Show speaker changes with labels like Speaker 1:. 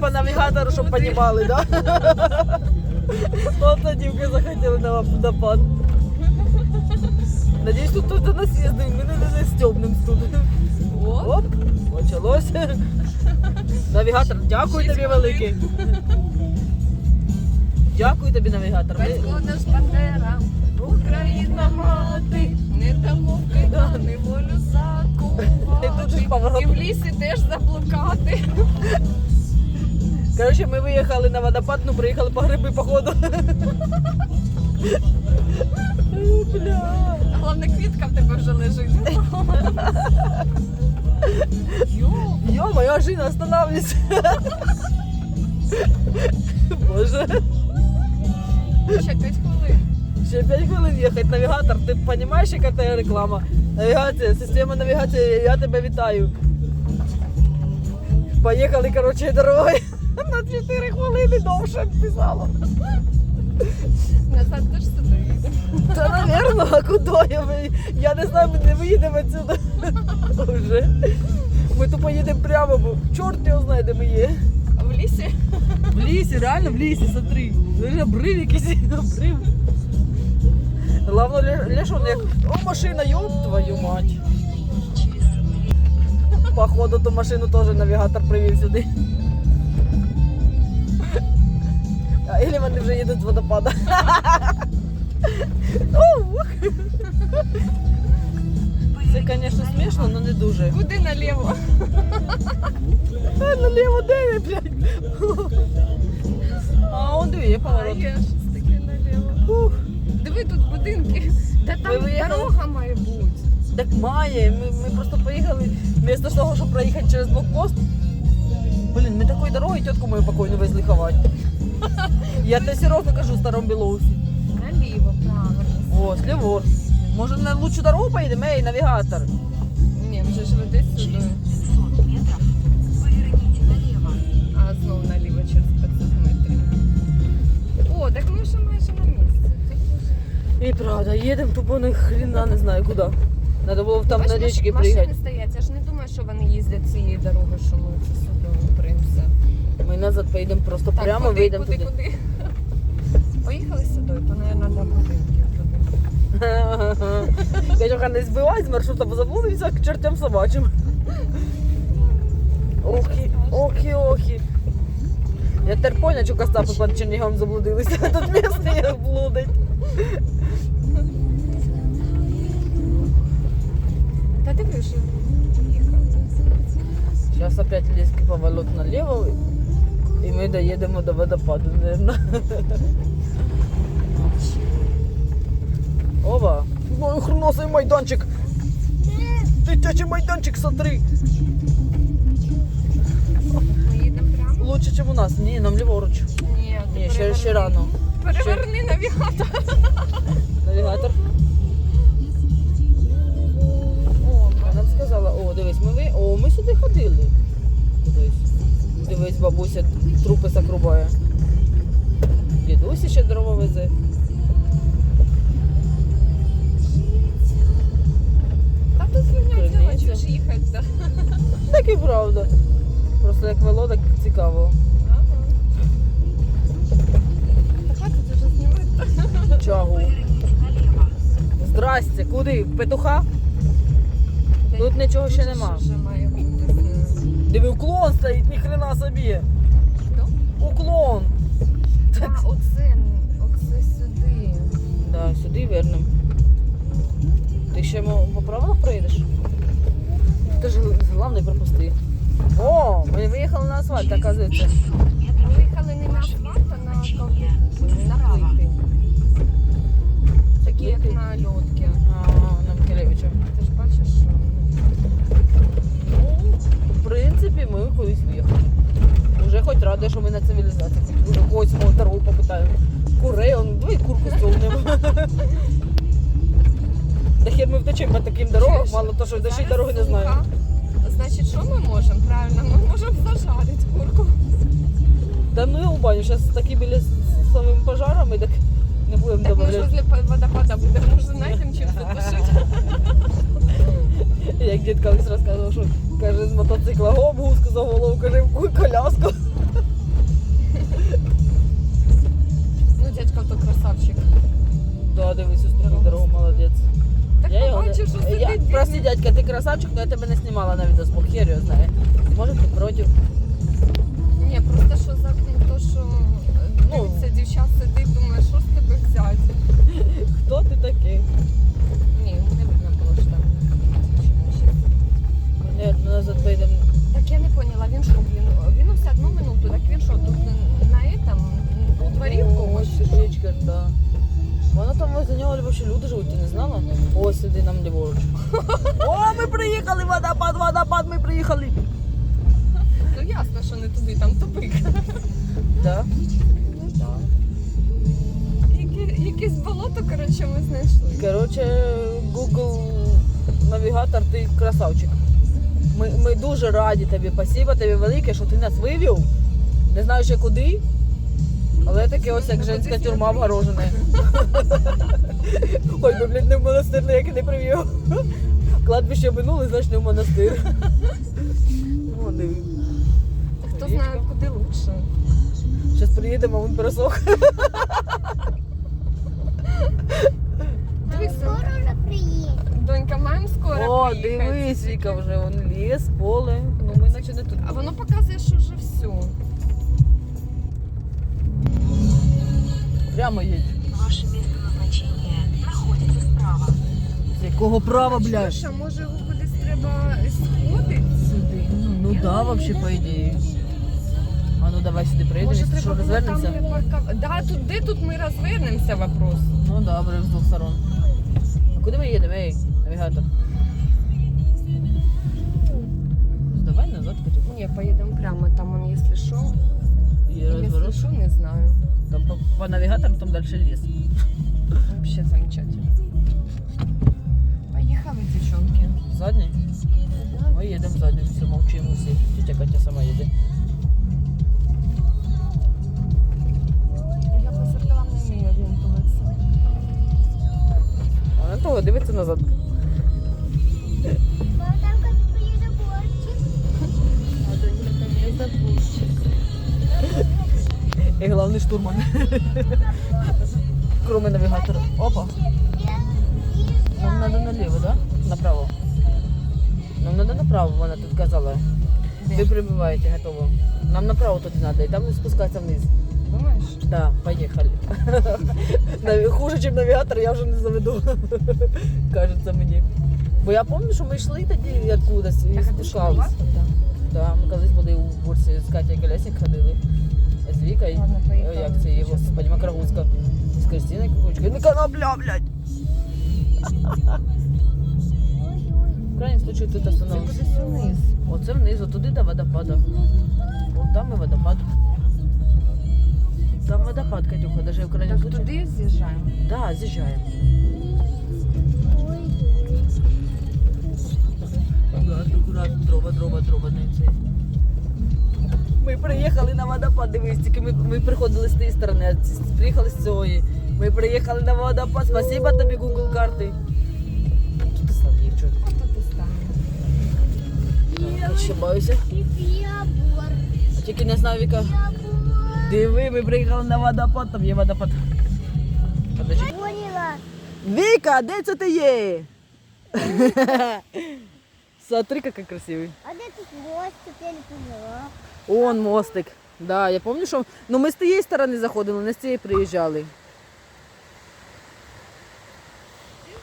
Speaker 1: по навігатору, щоб понімали, да? От дівки захотіли на водопад. Надіюсь, тут хтось до нас їздив, ми не стьобнем тут. Оп, почалось. Навігатор, дякую тобі великий. Дякую тобі, навігатор.
Speaker 2: Батько наш Бандера, Україна мати, не дамо в кайдани волю закувати. І в лісі теж заблукати.
Speaker 1: Коротше, ми виїхали на водопад, ну приїхали по гриби, походу. Бля.
Speaker 2: Головне, квітка в тебе вже лежить.
Speaker 1: Йо, моя жена, останавливайся. Боже.
Speaker 2: Ще 5 хвилин.
Speaker 1: Ще 5 хвилин їхати. Навігатор, ти розумієш, яка це реклама? Навігація, система навігації, я тебе вітаю. Поїхали, коротше, дорогою. На 4 хвилини довше писало.
Speaker 2: Назад теж сюди їде.
Speaker 1: Та, навірно, а куди я не знаю, ми не виїдемо відсюди. Вже. Ми тут поїдемо прямо, бо чорт його знає, де ми є.
Speaker 2: А в лісі?
Speaker 1: В лісі, реально в лісі, смотри. Вже обрив якийсь, обрив. Главное, лишон як, о, машина, ёб твою мать. Походу, ту машину теж навігатор привів сюди. Или вони вже їдуть з водопада. Це, звісно, смішно, але не дуже.
Speaker 2: Куди наліво?
Speaker 1: Наліво, де я, блядь? А, он диви, є поворот.
Speaker 2: Є щось таке наліво. Диви, тут будинки. Та там дорога має бути.
Speaker 1: Так має, ми просто поїхали, вместо того, щоб проїхати через блокпост. Блін, ми такою дорогою тітку мою покойну везли ховати. Я тебе серйозно кажу, в Старому Білоусі.
Speaker 2: Наліво, правильно.
Speaker 1: О, сліворуч. Може на лучшу дорогу поїдемо? Ей, навігатор.
Speaker 2: Ні, вже ж веде сюди. А знову наліво через 500 метрів. О, так ми вже майже на місці.
Speaker 1: І правда, їдемо тупо ні хрена не знаю куди. Треба було там на річці
Speaker 2: Машини
Speaker 1: приїхати.
Speaker 2: стоять, я ж не думаю, що вони їздять цією дорогою, що ми це сюди примся.
Speaker 1: Ми назад поїдемо просто
Speaker 2: Так,
Speaker 1: прямо,
Speaker 2: куди,
Speaker 1: вийдемо
Speaker 2: куди,
Speaker 1: туди.
Speaker 2: куди? Поїхали сюди, то, мабуть, до будинків туди.
Speaker 1: Катюха, не збивай з маршрута, бо заблудився к чертям собачим. Охі. Я тепер поняла, що Костапи під Чернігом заблудилися, а тут місце їх блудить.
Speaker 2: Та ти вже їхав.
Speaker 1: Зараз опять різкий поворот наліво, і ми доїдемо до водопаду, мабуть. Ова! Ой, хреносий майданчик! Дитячий майданчик, смотри!
Speaker 2: Ми їдемо прямо?
Speaker 1: Лучше, ніж у нас. Ні, нам ліворуч.
Speaker 2: Ні,
Speaker 1: Ні, ще рано.
Speaker 2: Переверни навігатор.
Speaker 1: Навігатор.
Speaker 2: О,
Speaker 1: Вона сказала, о, дивись, ми сюди ходили. Дивись, бабуся трупи закрубає. Дідусь ще дрова везе.
Speaker 2: та тут фігня
Speaker 1: Криниця.
Speaker 2: діла, чого ж їхати?
Speaker 1: Так і правда. Просто як вело, так цікаво.
Speaker 2: Ага. Та хватить вже знімати.
Speaker 1: Чагу. Здрасте, куди? В петуха? Тут нічого ще нема.
Speaker 2: Вже має бути.
Speaker 1: Диви, уклон стоїть, ніхрена собі.
Speaker 2: Хто?
Speaker 1: Уклон.
Speaker 2: А, оце сюди.
Speaker 1: Да, сюди вернем. Ти ще по правилах проїдеш? Ти ж головне пропусти. О, ми виїхали на асфальт, оказується.
Speaker 2: Ми виїхали не на асфальт, а на ковбику, на плити. Такі як на льотки.
Speaker 1: На Микелевича.
Speaker 2: Ти ж бачиш, що...
Speaker 1: Ну, в принципі, ми кудись виїхали. Уже хоч рада, що ми на цивілізації. Уже когось мого дорогу попитаємо. Курей, давай курку столнемо. Да хер ми втечемо по таким дорогам, мало того, що ще й дороги не знаємо.
Speaker 2: Значить, що ми можемо? Правильно, ми можемо зажарити курку.
Speaker 1: Да ну я у баню, зараз такі біля з самими пожарами, так не будемо
Speaker 2: Так ми ж
Speaker 1: добавляти.
Speaker 2: возле водопада будемо, може знайдемо чим затушити.
Speaker 1: Як дід колись розказував, що каже, з мотоцикла губу, сказав голову, каже, в коляску. Прости, дядька, ти красавчик, але я тебе не знімала на відео, хер його знає. Може ти проти?
Speaker 2: Ні, просто що за то, що дивиться, дівчат сидить, думає, що з тебе взяти.
Speaker 1: Хто ти такий?
Speaker 2: Ні, не видно було, що там.
Speaker 1: Ми назад поїдемо.
Speaker 2: Так я не поняла, він що, він ось 1 минуту, так він що, тут на этом, у дворі в когось?
Speaker 1: Ось річка, так. Воно там возле нього взагалі люди живуть, ти не знала? Ось сиди нам ліворуч. О, ми приїхали, водопад, ми приїхали.
Speaker 2: Ну ясно, що не туди, там тупик.
Speaker 1: Так.
Speaker 2: Ну так. Якесь болото, коротше, ми знайшли.
Speaker 1: Коротше, Google навігатор, ти красавчик. Ми дуже раді тобі, спасибо тобі велике, що ти нас вивів. Не знаю ще куди, але таке ось як женська тюрма обгорожена. Ой, ми, блядь, не в монастир ніякий не привів. Кладбище минули, значить не в монастир. О, диви.
Speaker 2: Хто знає, куди лучше.
Speaker 1: Зараз приїдемо, він пересох.
Speaker 2: Дивись,
Speaker 3: Скоро вже приїде.
Speaker 2: донька, маємо скоро
Speaker 1: О,
Speaker 2: приїхати.
Speaker 1: дивись, Віка, вже вон ліс, поле. Ну ми наче не тут.
Speaker 2: А воно показує, що вже все.
Speaker 1: Прямо їдь.
Speaker 4: Ваше место назначения находится справа.
Speaker 1: З якого права, блядь?
Speaker 2: Чуєш, а може його кудись треба сходити сюди?
Speaker 1: Ну да, вообще, по ідеї. А ну давай сюди приїдемо,
Speaker 2: Може
Speaker 1: якщо що,
Speaker 2: треба було там
Speaker 1: розвернемося.
Speaker 2: припаркувати? Да, тут, де тут ми розвернемося, вопрос.
Speaker 1: Ну добре, з двох сторон. А куди ми їдемо, ей, навігатор? Давай назад потихоньку.
Speaker 2: Ні, поїдемо прямо, там он, якщо що.
Speaker 1: І
Speaker 2: Якщо
Speaker 1: розворот.
Speaker 2: що, не знаю.
Speaker 1: Там по навігатору, там далі ліс.
Speaker 2: Вообще замечательно. Поїхали, дівчонки.
Speaker 1: Задній? Ми їдемо заднім, все, мовчимо всі. Тетя Катя сама їде.
Speaker 2: Я по зеркалам не вмію орієнтуватися.
Speaker 1: А на того дивиться назад.
Speaker 3: Мама, там як приїде борчик.
Speaker 2: А донька там не забувчик.
Speaker 1: І головний штурман. Кроме навігатора. Опа. Нам треба наліво, да? Направо. Нам треба направо, вона тут казала. Ви прибуваєте, готово. Нам направо туди треба, і там спускатися вниз.
Speaker 2: Думаєш?
Speaker 1: Да, поїхали. Хуже, ніж навігатор, я вже не заведу. Кажеться мені. Бо я пам'ятаю, що ми йшли тоді откудись і
Speaker 2: Так, а ти
Speaker 1: спускались.
Speaker 2: школова?
Speaker 1: Да, ми колись були у Бурсі з Катєю Колесник ходили. З Вікою.
Speaker 2: Ладно, поїхали.
Speaker 1: Як це її, господи, Макрогузка. З Кристиною Кукучкою. Ну конопля, блядь! В крайнім случаю тут
Speaker 2: Це
Speaker 1: остановимося.
Speaker 2: кудись вниз.
Speaker 1: Оце вниз, туди до водопада. Вон там і водопад. Там водопад, Катюха, даже в крайнім
Speaker 2: Так
Speaker 1: случаю.
Speaker 2: туди з'їжджаємо.
Speaker 1: Да, з'їжджаємо. Аккуратно, дрова не цей. Ми приїхали на водопад, дивись, тільки ми приходили з тієї сторони, а приїхали з цієї. Ми приїхали на водопад, спасибо тобі, Google карти. Що ти став, дівчат?
Speaker 2: А то ти станеш.
Speaker 1: Ошибаюся.
Speaker 3: Ябор.
Speaker 1: Тільки не знаю, Віка. Диви, ми приїхали на водопад, там є водопад. Подожди.
Speaker 3: Поняла.
Speaker 1: Віка, де це ти є? Смотри, який красивий.
Speaker 3: А де тут мостик, я не поняла.
Speaker 1: Он мостик. Да, я пам'ятаю, що ну, ми з тієї сторони заходили, не з цієї приїжджали.